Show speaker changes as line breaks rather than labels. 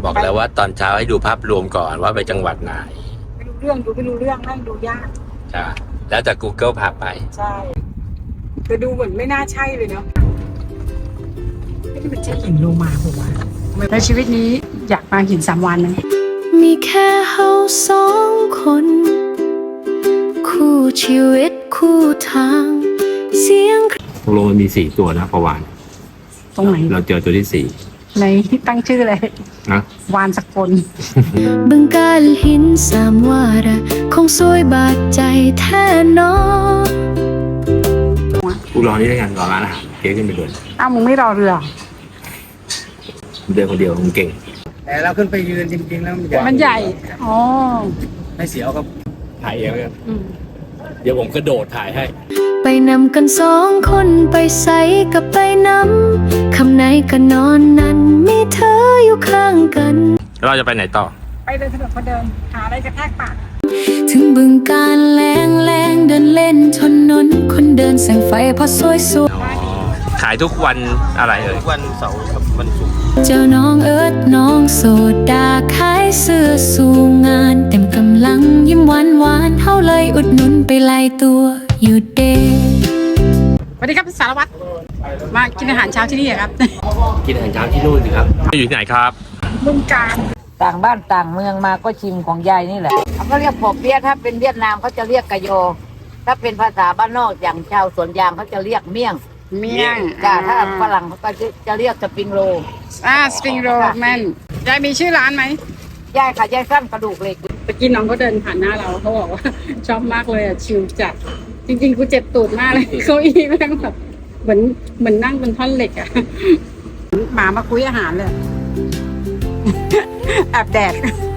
บอกแล้วว่าตอนเช้าให้ดูภาพรวมก่อนว่าไปจังหวัดไหน
ไม่รู้เรื่องดูไม่รู้เรื่องนั่งดูยาก
จ้ะแล้วแต่ Google พาไป
ใช่แต่ดูเหมือนไม่น่าใช่เลยเนาะไม่ได้เป็นใช่หินโลมาผมว่าในชีวิตนี้อยากมาหิน3 วันไหม
มีแค่เฮา2 คนคู่ชีวิตคู่ทางเสียง
ตกลงมันมี4 ตัวนะประวาน
ตรงไหน
เราเจอตัวที่
ในตั้งชื่อเลย
นะ
วานสกล
บึงกาฬหิน3 วาระคงสวยบาดใจแท้นอ
กูรอนี่ได้กันรอร้านอาหารเก๊ขึ้นไปด้วย
อ้าวมึงไม่รอเรือ
เดินคนเดียวมึงเก่ง
แต่เราขึ้นไปยืนจริงๆแล้ว
มันใหญ่อ๋อ
ไม่เสียวครับ
ถ่ายเองเลยเดี๋ยวผมกระโดดถ่ายให้
ไปนำกัน2 คนไปใส่กับไปนำคำไหนก็นอนนั้นมีเธออยู่ข้างกัน
เราจะไปไหนต่อ
ไปเดินถนนคนเดินหาอะไรกระแทกปาก
ถึงบึงการแรงเดินเล่นถนนคนเดินแสงไฟพอสวยสวย
ขายทุกวันอะไรเอ่ยทุกวันเสาร์กับวันศุกร์
เจ้าน้องเอิร์ธน้องโสดาขายเสื้อสู่งานเต็มกำลังยิ้มหวานเฮาเลยอุดหนุนไปไล่ตัวอยู่เด
สวัสดีครับสารวัตรมากินอาหารเช้าที่นี่ครับ
กินอาหารเช้าที่นู่นสิครับอยู่ที่ไหนครับ
บึงกาฬ
ต่างบ้านต่างเมืองมาก็ชิมของยายนี่แหละเขาก็เรียกปอเปี๊ยะถ้าเป็นเวียดนามเขาจะเรียกกะโยถ้าเป็นภาษาบ้านนอกอย่างชาวสวนยางเขาจะเรียกเมี่ยงจ้าถ้าฝรั่งเขาก็จะเรียกสปริงโร
สปริงโรแม่นยายมีชื่อร้านไหม
ยายค่ะยายสั้นกระดูกเหล็ก
เมื่อกี้น้องเขาเดินผ่านหน้าเราเขาบอกว่าชอบมากเลยอ่ะชิลจัดจริงๆกูเจ็บตูดมากเลยเก้าอี้แม่งแบบเหมือนนั่งบนท่อนเหล็กอ่ะหมามาคุยอาหารเลยแอบแดก